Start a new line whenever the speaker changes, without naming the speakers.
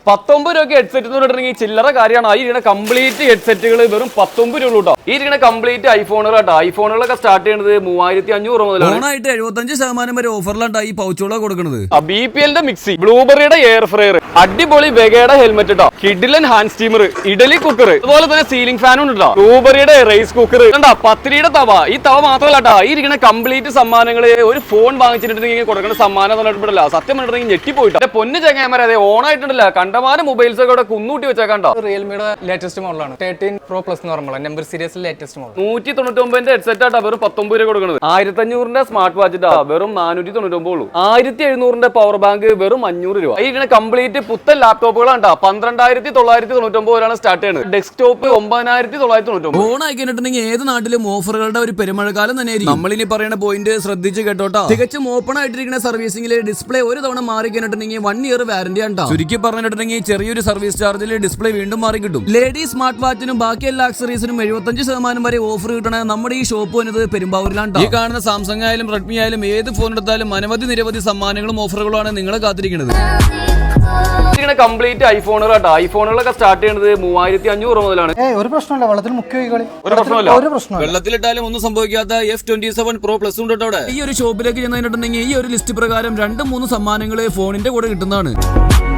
19 രൂപയ്ക്ക് ഹെഡ്സെറ്റ് എന്ന് പറഞ്ഞിട്ടുണ്ടെങ്കിൽ ചില്ലറ കാര്യമാണ്. ഈ ഇരിക്കുന്ന കംപ്ലീറ്റ് ഹെഡ്സെറ്റുകൾ വെറും 19 രൂപ കേട്ടോ. ഈ ഇരിക്കുന്ന കംപ്ലീറ്റ് ഐഫോണുകൾ കേട്ടോ. ഐഫോണുകളൊക്കെ സ്റ്റാർട്ട് ചെയ്യുന്നത് 3500 മുതലാണ്.
ഓണായിട്ട് 75% വരെ ഓഫറിലാണ് ഈ പൗച്ചുകളൊക്കെ കൊടുക്കുന്നത്.
BPL മിക്സി, ബ്ലൂബെറിയുടെ എയർ ഫ്രയർ, അടിപൊളി വെഗയുടെ ഹെൽമെറ്റ് കേട്ടോ, കിഡിലൻ ഹാൻഡ് സ്റ്റീമർ, ഇഡലി കുക്കർ, അതുപോലെ തന്നെ സീലിംഗ് ഫാനും ഉണ്ടോ, ബ്ലൂബെറിയുടെ റൈസ് കുക്കർ, കണ്ടാ പത്തിരിയുടെ തവ. ഈ തവ മാത്രമല്ല കേട്ടോ, ഈ ഇരിക്കുന്ന കംപ്ലീറ്റ് സമ്മാനങ്ങൾ ഒരു ഫോൺ വാങ്ങിച്ചിട്ടുണ്ടെങ്കിൽ കൊടുക്കുന്ന സമ്മാനം എന്ന് പറഞ്ഞിട്ടില്ല. സത്യം പറഞ്ഞിട്ടുണ്ടെങ്കിൽ ഞെട്ടിപ്പോയിട്ടോ. പൊന്നു ചങ്ങായിമാരെ, അതെ ഓണായിട്ടുണ്ടല്ല കണ്ടമാനം മൊബൈൽസ് ഒക്കെ ഇവിടെ കുന്നൂട്ടി വെച്ചേക്കണ്ടോ.
റിയൽമിയുടെ ലേറ്റസ്റ്റ് മോഡലാണ് 13 Pro Plus എന്ന് പറയുമ്പോൾ നമ്പർ സീരീസിലെ ലേറ്റസ്റ്റ് മോഡൽ.
199 ഹെഡ്സെറ്റ് ആട്ടോ വെറും 19 രൂപ കൊടുക്കുന്നത്. 1500 സ്മാർട്ട് വാച്ച് ഇട്ടാ വെറും 499 ഉള്ളൂ. 1700 പവർ ബാങ്ക് വെറും 500 രൂപ. ഈ കംപ്ലീറ്റ് പുത്തൻ ലാപ്ടോപ്പുകളാണ് 12999 വരെയാണ് സ്റ്റാർട്ട് ചെയ്യുന്നത്. ഡെസ്ക്ടോപ്പ് 9999.
ഓണായി കഴിഞ്ഞിട്ടുണ്ടെങ്കിൽ ഏത് നാട്ടിലും ഓഫറുകളുടെ ഒരു പെരുമഴക്കാലം തന്നെയായിരിക്കും. നമ്മളിനി പറയുന്ന പോയിന്റ് ശ്രദ്ധിച്ച് കേട്ടോട്ടോ. തികച്ചും ഓപ്പൺ ആയിട്ടിരിക്കുന്ന സർവീസിംഗിലെ ഡിസ്പ്ലേ ഒരു തവണ മാറി കഴിഞ്ഞിട്ടുണ്ടെങ്കിൽ 1 ഇയർ വാറന്റി ആണ്. ചുരുക്കി പറഞ്ഞിട്ടുണ്ടെങ്കിൽ ചെറിയൊരു സർവീസ് ചാർജിൽ ഡിസ്പ്ലേ വീണ്ടും മാറി കിട്ടും. ലേഡി സ്മാർട്ട് വാച്ചിനും ബാക്കി എല്ലാ ആക്സറീസിനും 75% വരെ ഓഫർ കിട്ടണ നമ്മുടെ ഈ ഷോപ്പ് വന്നത് പെരുമ്പാവൂരിലാണ്. ഈ കാണുന്ന സാംസങ് ആയാലും റെഡ്മി ആയാലും ഏത് ഫോൺ എടുത്താലും നിരവധി സമ്മാനങ്ങളും ഓഫറുകളാണ് നിങ്ങളെ കാത്തിരിക്കുന്നത്.
കംപ്ലീറ്റ് ഐഫോണുകൾ കേട്ടോ. ഐഫോണുകളൊക്കെ സ്റ്റാർട്ട് ചെയ്യുന്നത് 3500 മുതലാണ്.
ഒരു പ്രശ്നമില്ല, വെള്ളത്തിൽ മുക്കി
ഒരു പ്രശ്നമില്ല.
വെള്ളത്തിലിട്ടാലും ഒന്നും സംഭവിക്കാത്ത F27 Pro Plus ഉണ്ട് കേട്ടോ. ഈ ഒരു ഷോപ്പിലേക്ക് ചെന്നിട്ടുണ്ടെങ്കിൽ ഈ ഒരു ലിസ്റ്റ് പ്രകാരം 2-3 സമ്മാനങ്ങൾ ഫോണിന്റെ കൂടെ കിട്ടുന്നതാണ്.